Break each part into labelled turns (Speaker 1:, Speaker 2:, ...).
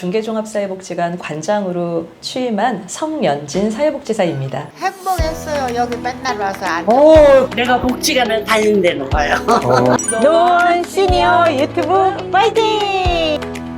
Speaker 1: 중계종합사회복지관 관장으로 취임한 성연진 사회복지사입니다.
Speaker 2: 행복했어요. 여기 맨날 와서
Speaker 3: 오, 내가 복지관을 다닌다는 거예요.
Speaker 4: 노원 시니어 유튜브 파이팅!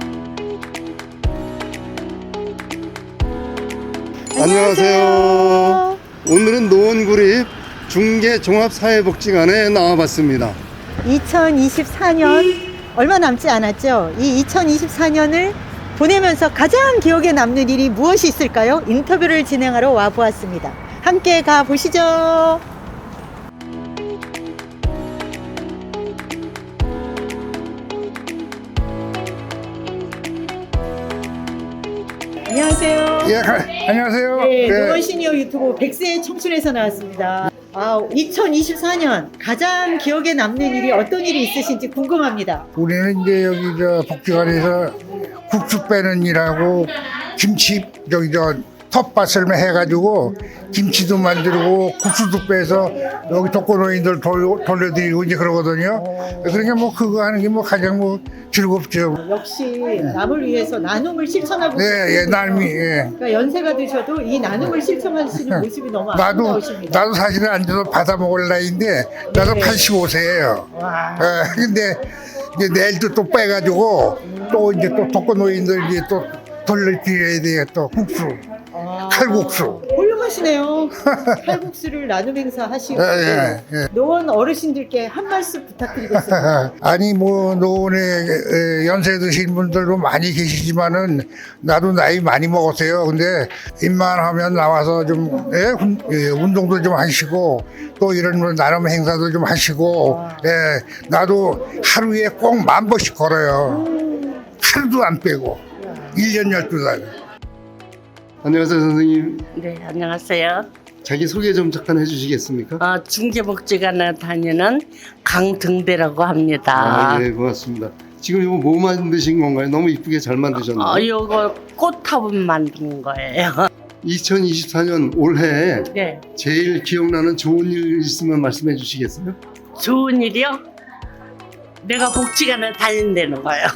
Speaker 5: 안녕하세요. 오늘은 노원구립 중계종합사회복지관에 나와봤습니다.
Speaker 4: 2024년 얼마 남지 않았죠? 이 2024년을 보내면서 가장 기억에 남는 일이 무엇이 있을까요? 인터뷰를 진행하러 와보았습니다. 함께 가보시죠. 안녕하세요.
Speaker 5: 예, 안녕하세요.
Speaker 4: 네,
Speaker 5: 네.
Speaker 4: 노원 시니어 유튜브 100세 청춘에서 나왔습니다. 2024년 가장 기억에 남는 일이 어떤 일이 있으신지 궁금합니다.
Speaker 6: 우리는 이제 여기 저 복지관에서 국수 빼는 일하고 김치 저기 저 텃밭을 해가지고 김치도 만들고 국수도 빼서 여기 독거노인들 돌려드리고 이제 그러거든요. 그러니까 뭐 그거 하는 게 뭐 가장 뭐 즐겁죠.
Speaker 4: 역시 남을 위해서 나눔을 실천하고
Speaker 6: 네, 예, 남이 예.
Speaker 4: 그러니까 연세가 드셔도 이 나눔을 실천하시는 모습이 너무 아름다우십니다.
Speaker 6: 나도 사실은 앉아서 받아 먹을 나이인데 나도
Speaker 4: 네.
Speaker 6: 85세예요.
Speaker 4: 와.
Speaker 6: 근데 이제 내일도 또 빼가지고 또 이제 또 독거노인들 이제 또 돌려드려야 돼요. 또 국수, 칼국수.
Speaker 4: 훌륭하시네요. 칼국수를 나눔 행사 하시고
Speaker 6: 예.
Speaker 4: 노원 어르신들께 한 말씀 부탁드리겠습니다.
Speaker 6: 아니 뭐 노원에 연세 드신 분들도 많이 계시지만은 나도 나이 많이 먹었어요. 근데 입만하면 나와서 좀 운동도 좀 하시고 또 이런 뭐 나눔 행사도 좀 하시고 나도 하루에 꼭 10,000번씩 걸어요. 하루도 안 빼고 1년 12달.
Speaker 5: 안녕하세요, 선생님.
Speaker 3: 네, 안녕하세요.
Speaker 5: 자기 소개 좀 잠깐 해주시겠습니까?
Speaker 3: 중계복지관에 다니는 강등대라고 합니다.
Speaker 5: 예, 고맙습니다. 지금 이거 뭐 만드신 건가요? 너무 이쁘게 잘 만드셨네요.
Speaker 3: 요거 꽃화분 만든 거예요.
Speaker 5: 2024년 올해
Speaker 3: 네,
Speaker 5: 제일 기억나는 좋은 일 있으면 말씀해 주시겠어요?
Speaker 3: 좋은 일이요? 내가 복지관에 다닌다는 거예요.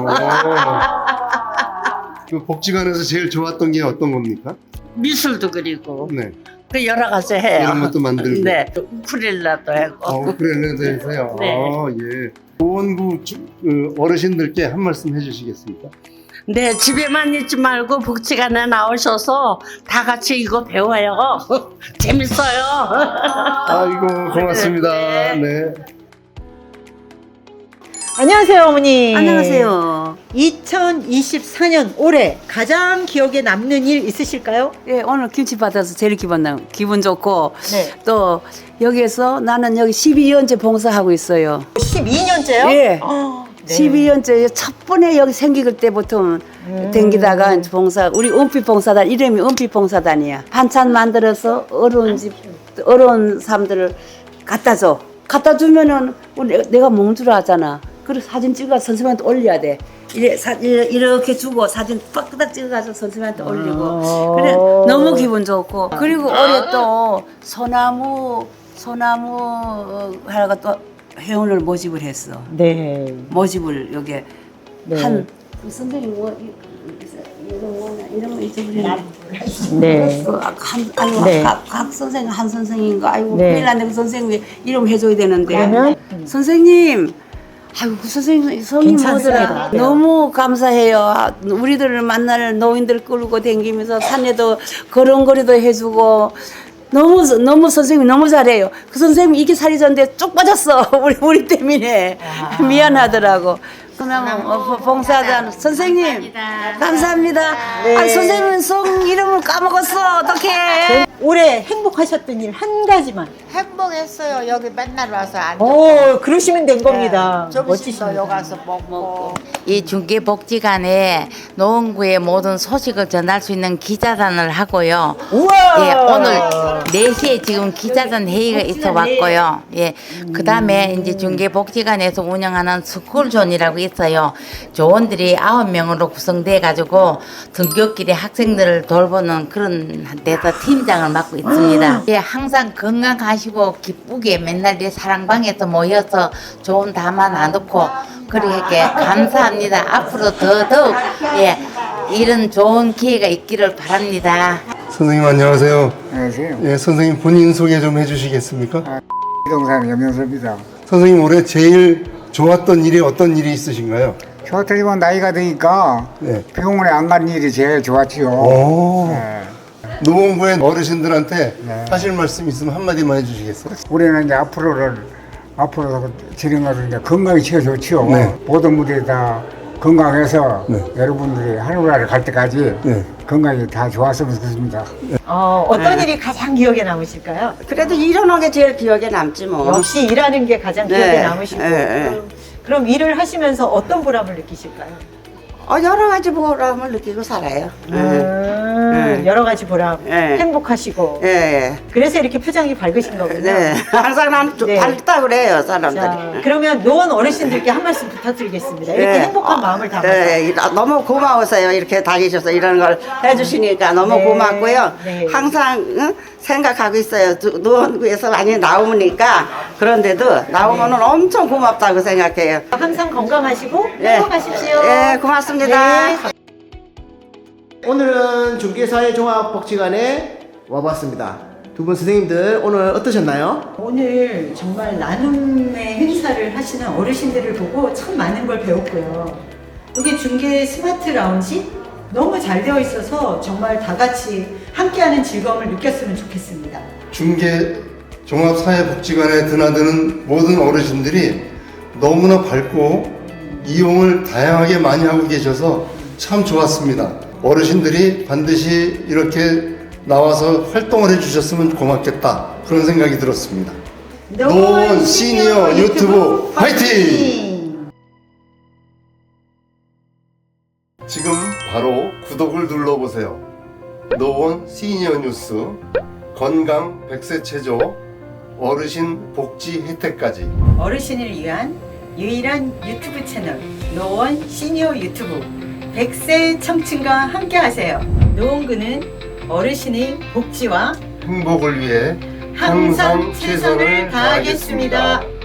Speaker 5: 그 복지관에서 제일 좋았던 게 어떤 겁니까?
Speaker 3: 미술도 그리고
Speaker 5: 네.
Speaker 3: 그 여러 가지 해요.
Speaker 5: 이런 것도 만들고.
Speaker 3: 네, 우쿨렐라도 하고.
Speaker 5: 그래도 해서요.
Speaker 3: 네.
Speaker 5: 예. 노원구 어르신들께 한 말씀 해주시겠습니까?
Speaker 3: 네, 집에만 있지 말고 복지관에 나오셔서 다 같이 이거 배워요. 재밌어요.
Speaker 5: 아이고 고맙습니다. 네.
Speaker 4: 안녕하세요, 어머니.
Speaker 7: 안녕하세요.
Speaker 4: 2024년 올해 가장 기억에 남는 일 있으실까요?
Speaker 7: 예, 오늘 김치 받아서 제일 기분 좋고
Speaker 4: 네.
Speaker 7: 또 여기에서 나는 여기 12년째 봉사하고 있어요.
Speaker 4: 12년째요?
Speaker 7: 예.
Speaker 4: 네.
Speaker 7: 12년째 첫 번에 여기 생길 때부터 댕기다가 봉사 우리 은빛 봉사단 이름이 은빛 봉사단이야. 반찬 만들어서 어려운 사람들을 갖다 줘. 갖다 주면은 내가 몽주를 하잖아. 그리고 사진 찍어 선생님한테 올려야 돼. 이렇게 주고 사진 빡딱 찍어가지고 선생님한테 올리고 그래 너무 기분 좋고 그리고 올해 또 소나무 하나가 또 회원을 모집을 했어.
Speaker 4: 네.
Speaker 7: 모집을 여기
Speaker 4: 네.
Speaker 7: 한 선생님 이런 거 잊어버렸네.
Speaker 4: 네. 네.
Speaker 7: 각 선생님 한 선생님인가 아이고
Speaker 4: 네.
Speaker 7: 큰일 났네 그 선생님 이름 해줘야 되는데
Speaker 4: 그러면?
Speaker 7: 선생님 아이고 그 선생님 성이
Speaker 4: 괜찮습니다.
Speaker 7: 뭐더라 너무 감사해요. 우리들을 만날 노인들 끌고 다니면서 산에도 걸음걸이도 해주고 너무 선생님이 너무 잘해요. 그 선생님이 이게 살이 졌는데 쭉 빠졌어. 우리 때문에 미안하더라고. 그러면 봉사단 선생님 감사합니다.
Speaker 4: 네.
Speaker 7: 선생님 성 이름을 까먹었어. 어떡해.
Speaker 4: 올해 행복하셨던 일 한 가지만.
Speaker 2: 행복했어요. 여기 맨날 와서
Speaker 4: 그러시면 된 겁니다.
Speaker 2: 점심도
Speaker 4: 멋지십니다.
Speaker 2: 여기 가서 먹고.
Speaker 8: 이 중계복지관에 노원구의 모든 소식을 전할 수 있는 기자단을 하고요.
Speaker 4: 우와!
Speaker 8: 예, 오늘 4시에 지금 기자단 회의가 있어 왔고요. 예, 그 다음에 이제 중계복지관에서 운영하는 스쿨존이라고 있어요. 조원들이 9명으로 구성돼 가지고 등교길에 학생들을 돌보는 그런 데서 팀장을 맡고 있습니다. 예, 항상 건강하시고 기쁘게 맨날 내 사랑방에서 모여서 좋은 담화 나누고 그렇게 감사합니다. 앞으로 더더욱 예, 이런 좋은 기회가 있기를 바랍니다.
Speaker 5: 선생님 안녕하세요.
Speaker 9: 안녕하세요.
Speaker 5: 예, 선생님 본인 소개 좀 해주시겠습니까?
Speaker 9: 부동산 염영섭입니다.
Speaker 5: 선생님 올해 제일 좋았던 일이 어떤 일이 있으신가요?
Speaker 9: 좋았더니만 나이가 드니까
Speaker 5: 네.
Speaker 9: 병원에 안 가는 일이 제일 좋았지요.
Speaker 5: 오.
Speaker 9: 네.
Speaker 5: 노원구의 어르신들한테
Speaker 9: 네.
Speaker 5: 하실 말씀 있으면 한마디만 해주시겠어요?
Speaker 9: 우리는 이제 앞으로 진행하는 이제 건강이 제일 좋지요.
Speaker 5: 네.
Speaker 9: 모든 분들이 다 건강해서
Speaker 5: 네.
Speaker 9: 여러분들이 하늘나라를 갈 때까지
Speaker 5: 네.
Speaker 9: 건강이 다 좋았으면 좋겠습니다.
Speaker 4: 어떤 일이 가장 기억에 남으실까요?
Speaker 3: 그래도 일어난 게 제일 기억에 남지 뭐.
Speaker 4: 역시 일하는 게 가장 기억에
Speaker 3: 네.
Speaker 4: 남으시고
Speaker 3: 네.
Speaker 4: 그럼 일을 하시면서 어떤 보람을 느끼실까요?
Speaker 3: 여러 가지 보람을 느끼고 살아요.
Speaker 4: 여러 가지 보람,
Speaker 3: 네.
Speaker 4: 행복하시고
Speaker 3: 예.
Speaker 4: 그래서 이렇게 표정이 밝으신 거군요.
Speaker 3: 네. 항상 난
Speaker 4: 네.
Speaker 3: 밝다 그래요, 사람들이.
Speaker 4: 자, 그러면 노원 어르신들께 한 말씀 부탁드리겠습니다. 이렇게
Speaker 3: 네.
Speaker 4: 행복한 마음을 담아서.
Speaker 3: 네, 너무 고마우세요. 이렇게 다니셔서 이런 걸 해주시니까 너무
Speaker 4: 네.
Speaker 3: 고맙고요.
Speaker 4: 네.
Speaker 3: 항상 생각하고 있어요. 노원구에서 많이 나오니까 그런데도 나오면은 엄청 고맙다고 생각해요.
Speaker 4: 항상 건강하시고
Speaker 3: 네.
Speaker 4: 행복하십시오.
Speaker 3: 네, 고맙습니다.
Speaker 4: 네.
Speaker 10: 오늘은 중계사회종합복지관에 와봤습니다. 두 분 선생님들 오늘 어떠셨나요?
Speaker 4: 오늘 정말 나눔의 행사를 하시는 어르신들을 보고 참 많은 걸 배웠고요. 여기 중계 스마트 라운지 너무 잘 되어 있어서 정말 다 같이 함께하는 즐거움을 느꼈으면 좋겠습니다.
Speaker 5: 중계 종합사회복지관에 드나드는 모든 어르신들이 너무나 밝고 이용을 다양하게 많이 하고 계셔서 참 좋았습니다. 어르신들이 반드시 이렇게 나와서 활동을 해주셨으면 고맙겠다 그런 생각이 들었습니다. 노원 시니어 유튜브 화이팅! 지금 바로 구독을 눌러보세요. 노원 시니어 뉴스 건강 100세 체조 어르신 복지 혜택까지
Speaker 4: 어르신을 위한 유일한 유튜브 채널 노원 시니어 유튜브 100세 청춘과 함께하세요. 노원구는 어르신의 복지와
Speaker 5: 행복을 위해
Speaker 4: 항상 최선을 다하겠습니다.